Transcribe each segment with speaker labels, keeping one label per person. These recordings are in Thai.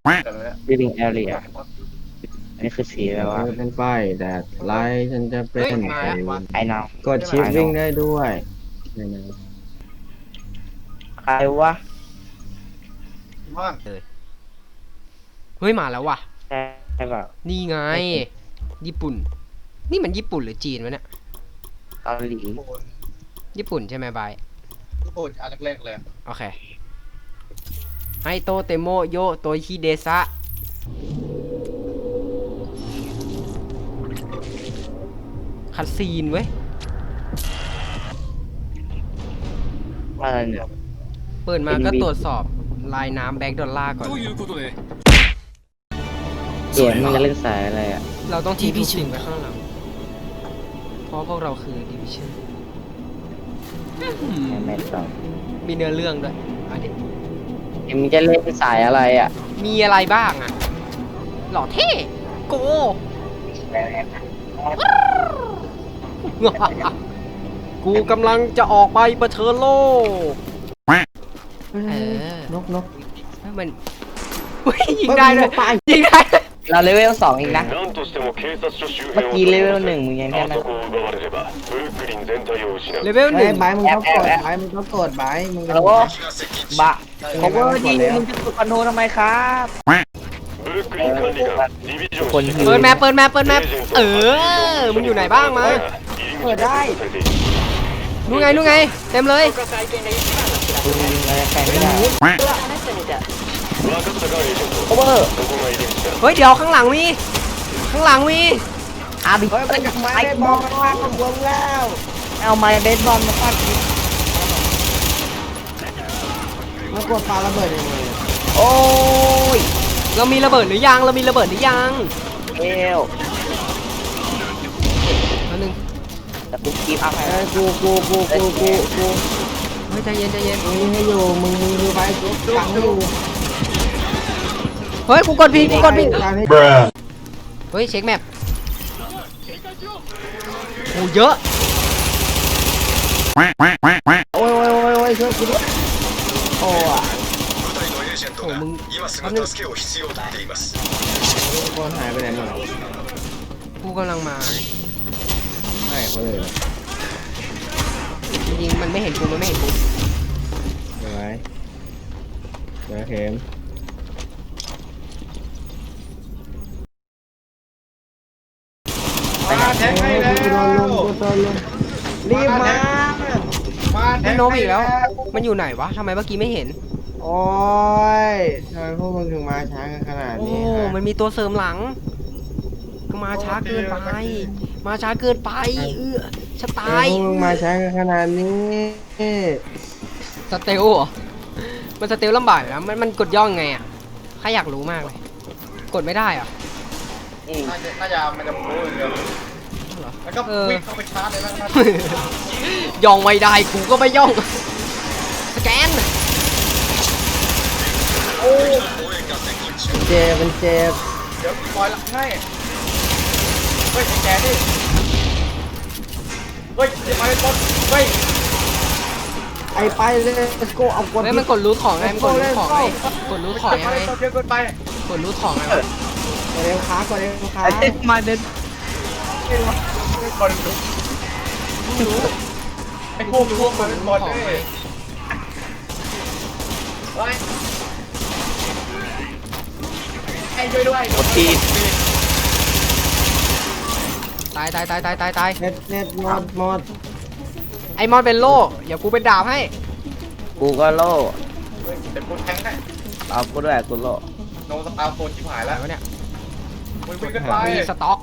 Speaker 1: living area อันนี้คือสีอะไรวะ
Speaker 2: เป็นไฟแดดไลท์ฉันจะเป็น
Speaker 1: ไอ้น้อง
Speaker 2: กดชิปวิ่งได้ด้วย
Speaker 1: ใครวะ
Speaker 3: เฮ้ยมาแล้วว่ะ
Speaker 1: ใช่ป่ะ
Speaker 3: นี่ไงญี่ปุ่นนี่มันญี่ปุ่นหรือจีนวะเนี่ย
Speaker 1: เกาหลี
Speaker 3: ญี่ปุ่นใช่ไหมบาย
Speaker 4: ญี่ปุ่นอันแรกๆเลย
Speaker 3: โอเคไฮโตเตโมโยโตฮิเดซะคัดซีนเว้ย
Speaker 1: อะไรเนี่ย
Speaker 3: เปิดมาก็ตรวจสอบลายน้ำแบ็กดอลลาร์ก่อน
Speaker 1: เดี๋ยวมึงจะเล่นสายอะไรอ่ะ
Speaker 3: เราต้องทิ้งทุกสิ่งไว้ข้างหลังเพราะพวกเราคือดิวิชั่น
Speaker 1: ไม่ต้อง
Speaker 3: มีเนื้อเรื่องด้วยอันนี้
Speaker 1: มึงจะเล่นสายอะไรอ่ะ
Speaker 3: มีอะไรบ้างอ่ะหล่อเท่โกกูกำลังจะออกไปเผชิญโลก
Speaker 2: นก
Speaker 3: มันยิงได้เลยยิงได้
Speaker 1: เราเลเวล2อีกนะเมื่อกี้เลเวล1มึงยังแค่นั้น
Speaker 3: เลเวล1
Speaker 2: ใบมึงต้องกดใบมึงต้องกดใบมึง
Speaker 1: แล้วก็บะเขาก็ดีมึงจะกดคอนโทรทำไมครับ
Speaker 3: เปิดแมปมึงอยู่ไหนบ้างมา
Speaker 2: เปิดได้
Speaker 3: นู่นไงเต็มเลยเฮ้ยเดี๋ยวข้างหลังมี
Speaker 1: อาบิ
Speaker 2: ไปกับไม้เบสบอลมาฟาดกับวงแล้ว
Speaker 1: เอาไม้เบสบอลมาฟาด
Speaker 2: มากดปาระเบิดยังไง
Speaker 1: โอ้ย
Speaker 3: เรามีระเบิดหรือยังเอวอันนึง
Speaker 1: แต่กูกีบอัพให้
Speaker 2: กู
Speaker 3: เฮ้ยใจเย็น
Speaker 2: มึงให้อยู่มึงดูไปกูฟังอยู่
Speaker 3: เฮ้ยกูกดผิดเฮ้ยเช็คแมปโอ้เยอะ
Speaker 2: โอ้ยช่วยกูด้วยโอ้อะ
Speaker 3: โอ้มึง
Speaker 2: คนหายไปไหนหมด
Speaker 3: กูกำลังมา
Speaker 2: ไม่เขาเลย
Speaker 3: จริงๆมันไม่เห็นกู
Speaker 2: เดี๋ยวเข็ม
Speaker 4: มาแทงให้แล้ว
Speaker 2: รีบมา
Speaker 3: แทงโน้มอีกแล้วมันอยู่ไหนวะทำไมเมื่อกี้ไม่เห็น
Speaker 2: โอ้ยทำไมพวกมึงถึงมาช้ากันขนาดนี้
Speaker 3: โอ้มันมีตัวเสริมหลังก็มาช้าเกินไปจะตาย
Speaker 2: มึงมาช้ากันขนาดนี้
Speaker 3: สเตลเหรอมันสเตลลำบากนะมันกดย่องไงอ่ะข้าอยากรู้มากเลยกดไม่ได้อ่ะ
Speaker 4: น่าจะมันจะรู้เดียวแล้วก็วิ่งเข้าไปชาร์จเลยนะ
Speaker 3: ย่องไม่ได้กูก็ไม่ย่องสแกน
Speaker 4: โอ้
Speaker 2: เจ็บเดี๋
Speaker 4: ยวปล่อยหลังให้เฮ้ยแกดิเฮ้ยไปต้นเฮ้ย
Speaker 2: ไปเลยlet's go เอากด
Speaker 3: มันกดรูทของไงกดรูทของไง
Speaker 4: เยอะเกินไป
Speaker 3: กดรูทของไง
Speaker 2: กดเร็วค้
Speaker 1: มาเดิน
Speaker 4: ไอ้พวกมันเป็นบอลเลยไอ้ช่วยด้วย
Speaker 1: กดที
Speaker 3: ตาย
Speaker 2: เน็ตหมด
Speaker 3: ไอมอนเป็นโล่อย่ากูเป็นดาบให้
Speaker 1: กูก็โล่
Speaker 4: เดี๋ยวกูแทงให้
Speaker 1: เอากูด้วยกูโล่
Speaker 4: โนสตาร์โฟนชิบหายแล้ว
Speaker 3: เนี่ย
Speaker 4: วิ่งกันไป
Speaker 3: รีสต็อก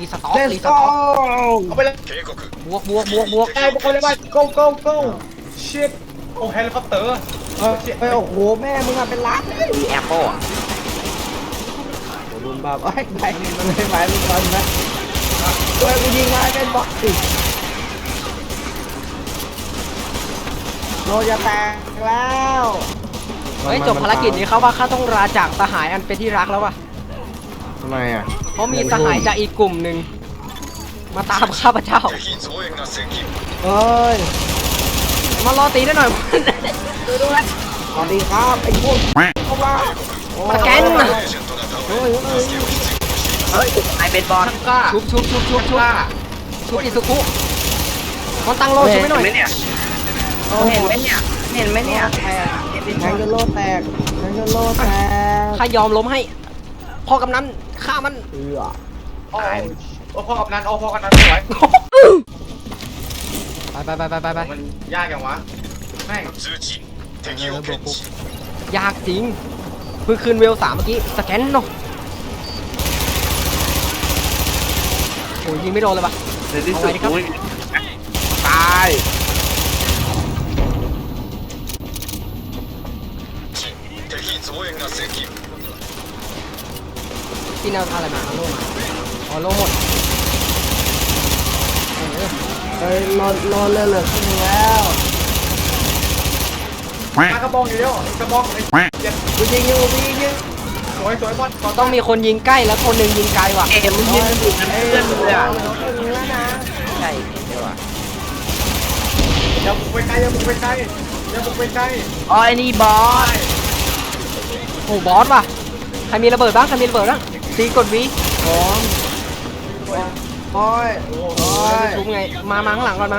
Speaker 4: เอาไปเลย
Speaker 3: บวก
Speaker 4: ไอ้พวกคนเลยไป go shit โอ้เฮลิคอปเตอร์
Speaker 2: โอ้โหแม่มึงอะเป็นล้าน
Speaker 1: แอปเปิล
Speaker 2: รุนบ้าไปมันไม่ไปมึงก่อนนะตัวกูยิงมาเป็นบอสสิโนจะแตกแล้ว
Speaker 3: จบภารกิจนี้เขาว่าข้าต้องลาจากสหายอันเป็นที่รักแล้วว่ะ
Speaker 2: ทำไมอ่ะ
Speaker 3: เพราะมีสหายจากอีกกลุ่มหนึ่งมาตามข้าพเจ้า
Speaker 2: เฮ้ย
Speaker 3: มารอตีได้หน่อย
Speaker 2: สวัสดีครับไอ้พวกเข้ามา
Speaker 3: สแกน
Speaker 2: โอ้ย
Speaker 1: เฮ้ยไอเป็นบอล
Speaker 4: กล้า
Speaker 3: ชุบอิสุคุมันตั้งโลชุบไม่หน่อย
Speaker 1: เห็นไหมเนี่ยเห็นไหมเนี่ยเห็นไหมเนี่ย
Speaker 2: แทงจนโลแตกแทงจนโลแตก
Speaker 3: ข้ายอมล้มให้พ่อกำนันฆ่ามัน
Speaker 4: โอ้พ่อกับนั้นโอ้พ่อกับนั้นสวย
Speaker 3: ไป
Speaker 4: มันยากอย่างวะแม่ง
Speaker 3: ยากจริงเพิ่งคืนเวล3เมื่อกี้สแกนเนาะโอ้ยยิงไม่โดนเลยปะ
Speaker 1: ในที่สุดอุ้ยตาย
Speaker 3: ที่แนวทางอะไรมาโล่มาอ๋อโล่หมดเออ
Speaker 2: เฮ้ยรอเลือดขึ้นแล้ว
Speaker 4: กระบองอยู่เดียวกระบองไอ้เจ็ด
Speaker 2: กูยิงอยู่
Speaker 4: สวยบอล
Speaker 3: ต้องมีคนยิงใกล้แล้วคนหนึ่งยิงไกลว่ะ
Speaker 1: เอ็มมันยืนอยู่กับเพื่อนเลยอ่ะ
Speaker 2: แล้วนะ
Speaker 1: ใช่เห็นด้วยว่ะ
Speaker 4: อย่าบุกไปไกลอย่าบุกไปไกลอย่าบุกไปไกล
Speaker 1: อ๋อไอ้นี่บอล
Speaker 3: โอ้บอสว่ะใครมีระเบิดบ้างซีกดวี
Speaker 2: พร้อมโอ้ยโอ้ย
Speaker 3: ชุบไงมาข้างหลังก่อน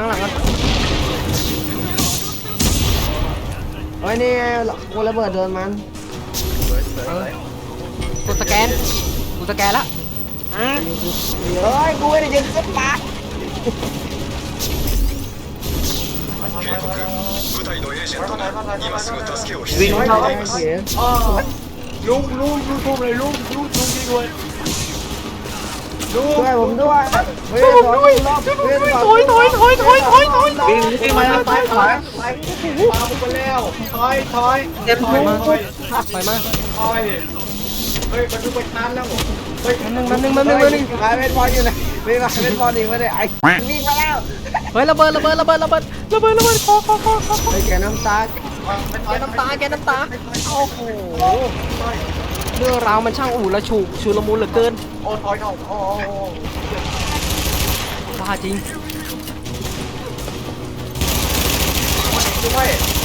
Speaker 2: โอ้ยนี่กูระเบิดโดนมัน
Speaker 3: กดสแกนกูสแกนละ
Speaker 2: เฮ้ยกูไม่ได้ยิงสักปาก
Speaker 1: วิ่งเข้า
Speaker 2: เสีย
Speaker 4: ลุงทุ่มเลยลุงยิงเลยลุง
Speaker 2: ช่วยผมด้วยช่วยผมด้วยถอย
Speaker 1: วิ่งมาแล้วไป
Speaker 4: มาบุกไปแล้วถอย
Speaker 1: เต็ม
Speaker 3: ไป
Speaker 1: ทุ่
Speaker 3: มา
Speaker 1: ง
Speaker 3: ไปมา
Speaker 4: ถอยเฮ้ยมันดูไปทันแล้วเฮ้ย
Speaker 3: แป๊บนึง
Speaker 2: มาเป็นบอลอยู่ไหนไม่มาเป็นบอลอีกไม่ได้ไอ้วิ่งมาแล้ว
Speaker 3: เฮ้ยระเบิดคอ
Speaker 2: ไอ้แกน้ำตา
Speaker 3: แกน้ำตาโอ้โหเรื่องราวมันช่างอู่ละฉุกชุลมุนเหลือเกิน
Speaker 4: โอ้ถอยเข้าโอ้
Speaker 3: บ้าจริง
Speaker 4: ด้วย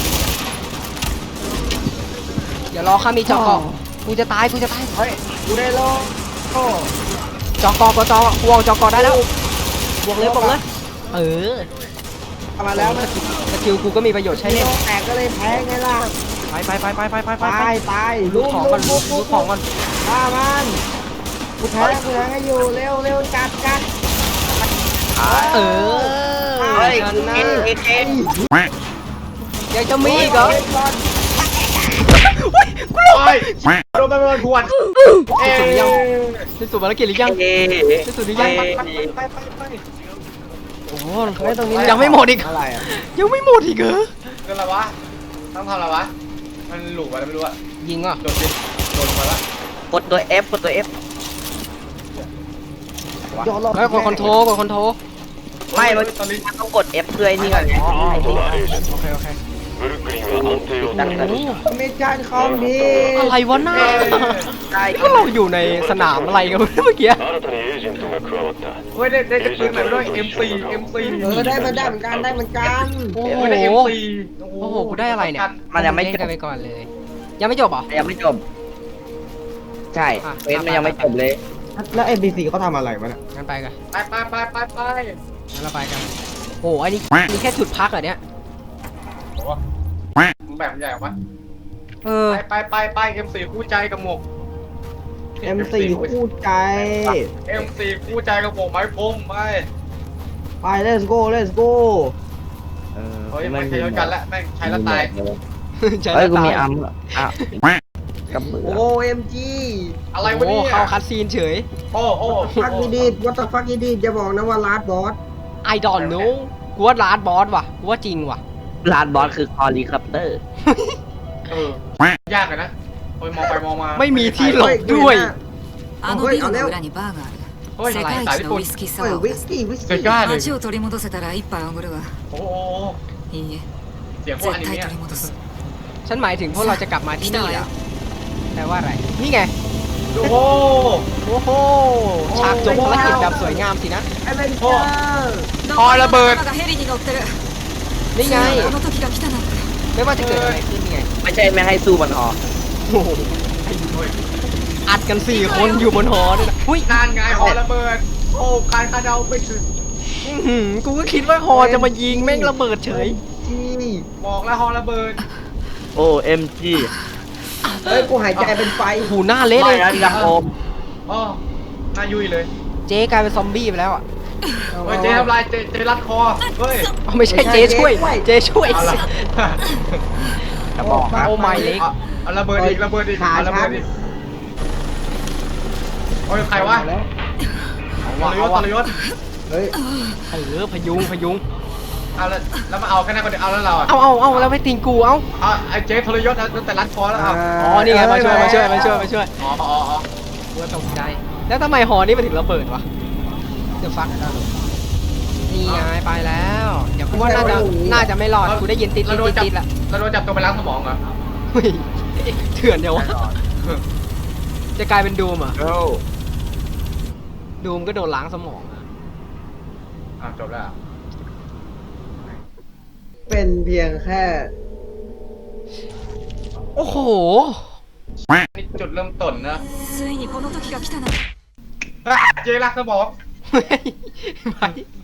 Speaker 3: เดี๋ยวรอข้ามีจอกกูจะตาย
Speaker 2: เฮ้ยกูได้โลโอ้
Speaker 3: จอกกูเอาจอกได้แล้วบวกเลยเออ
Speaker 2: มาแล้ว
Speaker 3: สกิลกูก็มีประโยชน์ใช้เล่น
Speaker 2: แตกก็เลยแพ้ไงล่ะ
Speaker 3: ไป
Speaker 2: ตาย
Speaker 3: ลูกของก่อน
Speaker 2: ฆ่ามันกูแทงให้อยู่เร็วจัด
Speaker 3: เออ
Speaker 1: เฮ้ย
Speaker 3: ชนะ
Speaker 1: เอ็น
Speaker 3: ยังจะมีอีกเหรอ
Speaker 4: ไปโดนไปโดนทวนเอ๊ะ
Speaker 3: สิ้นสุดภารกิจหรือยัง
Speaker 1: เอ
Speaker 3: สิ้นสุดหรือยัง
Speaker 4: ไป
Speaker 3: โอ้โห
Speaker 2: ตรงนี้
Speaker 3: ยังไม่หมดอีก
Speaker 2: อะไรอ่ะ
Speaker 3: ยังไม่หมดอีกเหรอ
Speaker 4: คืออะไรวะต้องทำอะไรวะมันหลุดอะไรไม่รู้อะ
Speaker 3: ยิงอ่ะ
Speaker 4: โดนดิโดนมาละ
Speaker 1: กดตัว F กดตัว F
Speaker 3: เฮ้ยกดคอนโทร
Speaker 1: ไม่มัน
Speaker 4: ตอนนี้
Speaker 1: ต้องกด F เพื่อไอ้นี่ก่อนไงไอ้ที่
Speaker 3: โอเค
Speaker 1: ตั้งแต่
Speaker 2: มิชชั่นคอมพี
Speaker 3: อะไรวะหน้า
Speaker 1: ได้
Speaker 3: ก็เราอยู่ในสนามอะไรกันเมื่อกี้
Speaker 4: เฮ้ยได้จะปืนไหนด้วย M4
Speaker 2: ได้เหมือนกัน
Speaker 3: โอ้
Speaker 4: เฮ้
Speaker 3: โห
Speaker 4: ยได้ M4
Speaker 3: โอ้โหกูได้อะไรเนี่ย
Speaker 1: มันยังไม่
Speaker 3: เล่
Speaker 1: จ
Speaker 3: นกัน
Speaker 1: บ
Speaker 3: ไปก่อนเลย ยังไม่จบเหรอ
Speaker 1: ยังไม่จบ ใช่เฟสมันยังไม่จบเลย
Speaker 2: แล้ว NPC เขาทำอะไรวะเนี่ย
Speaker 3: งั้นไปกัน
Speaker 4: ไป
Speaker 3: งั้นเราไปกันโอ้โหอันนี้มีแค่จุดพักเหรอเนี่ย
Speaker 4: แบบใหญ่วะ
Speaker 3: เออ
Speaker 4: ไป M4 คู่ใจกับหมวก
Speaker 2: M4 คู่ใจ
Speaker 4: M4 คู่ใจกับหมวกไม้พรมไป
Speaker 2: let's go
Speaker 4: เฮ้ยมันใช้กันแล้วแม่งใช้แล้วตาย
Speaker 3: ใช่
Speaker 1: เฮ้ยกู
Speaker 3: ตา
Speaker 1: มี
Speaker 3: ย
Speaker 1: อัมอ่ะกับมือ
Speaker 2: OMG
Speaker 4: อะไรวะ
Speaker 3: โอ้
Speaker 4: เนี่ย
Speaker 3: เข้าคัดซีนเฉย
Speaker 4: โอ้
Speaker 2: ฟักอีดีด what the fuck อีดีดอย่าบอกนะว่าลาดบอส
Speaker 3: I don't know กูว่าลาดบอสว่ะกูว่าจริงว่ะ
Speaker 1: ลานบอสคือคอรีคัปเตอร์
Speaker 4: ยากเลยนะเฮ้ยมองไปมองมา
Speaker 3: ไม่มีที่หลบด้วย
Speaker 5: あのビルの裏にバーがある。
Speaker 4: เฮ้ย
Speaker 5: 世界一のウイスキーサ
Speaker 2: เฮ้ย
Speaker 5: ワーを
Speaker 2: วิ
Speaker 5: 出
Speaker 2: ส
Speaker 5: す。
Speaker 2: กี้
Speaker 4: จะกล้าเลย
Speaker 5: 街を取り戻せたら一杯おごるわ。
Speaker 4: โอ้
Speaker 5: いいえ、
Speaker 4: เสียงพวกอ
Speaker 5: 絶
Speaker 4: นิ
Speaker 5: 対
Speaker 4: เมะ
Speaker 5: 取り戻す。
Speaker 3: ฉันหมายถึงพวกเราจะกลับมาที่นี่แล้วแปลว่าอะไร นี่ไง
Speaker 4: โอ้โห
Speaker 3: โอ้โห ฉากจบภารกิจแบบสวยงามสินะ
Speaker 2: ไอ้เป็นเจอร์
Speaker 3: พอระเบิด
Speaker 5: 仲間がヘリに乗ってる。
Speaker 3: นี่ไง
Speaker 5: あの時が来たなんて。
Speaker 3: ไม่ว่าจะเกิดอะไรขึ้นไง
Speaker 1: ไม่ใช่ไม่ให้สู้มันออก
Speaker 3: โอ้โหอัดกัน4 คนอยู่บนหอด้วยนะหุ้ย
Speaker 4: นานไงหอระเบิดโอ้การคาดเดาไม่ถึง
Speaker 3: อื้อหือกูก็คิดว่าหอจะมายิงแม่งระเบิดเฉย
Speaker 2: นี่
Speaker 4: บอกแล้วหอระเบิด
Speaker 1: โอ้เอ็มจี
Speaker 2: เฮ้ยกูหายใจเป็นไฟ
Speaker 3: หูหน้าเละเลย
Speaker 1: ยังโอม
Speaker 4: อ๋อหน้ายุ่ยเลย
Speaker 3: เจ๊กลายเป็นซอมบี้ไปแล้วอ่ะ
Speaker 4: เฮ้ยเจ๊ทำลายเจ๊รัดคอเฮ้ย
Speaker 3: เอาไม่ใช่เจ๊ช่วย เจ๊ช่วย
Speaker 4: เอาละ
Speaker 1: จะบอกนะ
Speaker 3: โอ้ไม่เล็ก
Speaker 4: เอาระเบิดอีกระเบิดอีกเอาระเบิดอีกโอ้ยใครวะ
Speaker 2: แล้ว
Speaker 4: ทรยศ
Speaker 2: เฮ้ย
Speaker 3: พยุง
Speaker 4: เอาแล้วมาเอาแค่นั้นคนเดียวเอาแล้วเราอ่ะ
Speaker 3: เอาแล้วไม่ติงกูเอา
Speaker 4: ไอ้เจ๊ทรยศตั้งแต่รัดคอแล้วเอา
Speaker 3: อ๋อ นี่ไง มาช่วย
Speaker 4: อ๋ออ๋อ
Speaker 3: กูตกใจ แล้วทำไมหอนี้มันถึงระเบิดวะเดี๋ยวฟักนี่ไงไปแล้ว เดี๋ยวกูว่าน่าจะไม่รอด กูได้ยินติดละ
Speaker 4: เราโดนจับตัวไปล้างสมองเหรอ
Speaker 3: เฮ้ยเถื่อนเดี๋ยววะ จะกลายเป็นดูมเหรอ่ะ
Speaker 1: โอ้
Speaker 3: ดูมก็โดนล้างสมอง
Speaker 4: จบแล้ว
Speaker 2: เป็นเพียงแค่
Speaker 3: โอ้โห
Speaker 4: นี่จุดเริ่มต้นนะ
Speaker 5: ついにこの時が来たな。
Speaker 4: เจ๊รักสมอง
Speaker 3: ไป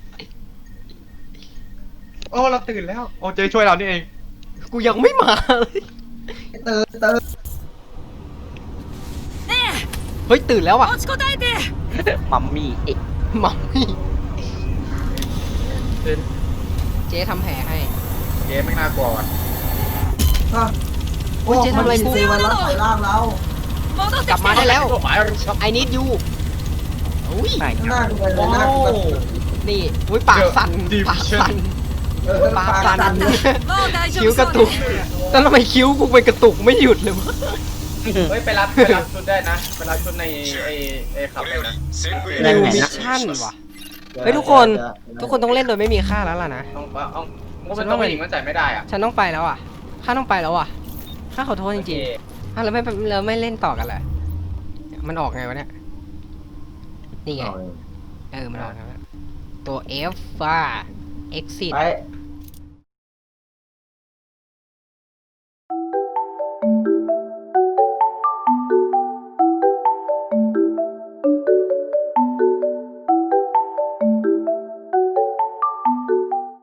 Speaker 4: โอ้เราตื่นแล้วโอ้เจ๊ช่วยเรานี่เอง
Speaker 3: กูยังไม่มาเลย
Speaker 2: เติร์
Speaker 3: เฮ้ย ตื่นแล้วอ่ะ
Speaker 5: 持ちこたえて。
Speaker 1: มัมมี่เอ๊ะ
Speaker 3: มัมมี่เจ๊ทำแผลให้
Speaker 4: เจ๊ไม่น่ากลัวว่ะ
Speaker 3: โอ้ยเจ๊ทำอะไรกู
Speaker 2: ซีมันรับใส่ร่างเรา
Speaker 5: 戻って
Speaker 3: กลับ
Speaker 5: き
Speaker 3: มา
Speaker 5: て。
Speaker 3: ได้แล้ว
Speaker 4: หมายชับ
Speaker 3: I need you อุ้ย
Speaker 1: ไหน
Speaker 2: หน้ากูเลย
Speaker 4: โอ้
Speaker 2: หน้ากูแบบ
Speaker 3: นี่อุ้ยปากสั่น
Speaker 4: Division
Speaker 3: ปากสั่น ปากสั่น
Speaker 5: もう大丈
Speaker 3: คิ้ว
Speaker 5: 夫
Speaker 3: กระ
Speaker 5: そう
Speaker 3: ตุก
Speaker 5: ね。
Speaker 3: แต่ทำไมคิ้วกูไปกระตุกไม่หยุดเลยวะ
Speaker 4: เฮ้ยไปรับชุดได้นะไปรับชุดในไอ้ขับเลยนะ
Speaker 3: นิวมิชชั่นว่ะ เฮ้ยทุกคน ต้องเล่นโดยไม่มีค่าแล้วล่ะนะ
Speaker 4: ต้องเอาก็เป็นตัวผู้หญิงมันใส่ไม่ได้อ่ะ
Speaker 3: ฉันต้องไปแล้วอ่ะ ข้าต้องไปแล้วอ่ะ ข้าขอโทษจริงๆข้าเราไม่เล่นต่อกันเลยมันออกไงวะเนี่ย นี่ไง มันออกแล้วตัว F ว่า exit
Speaker 2: ไป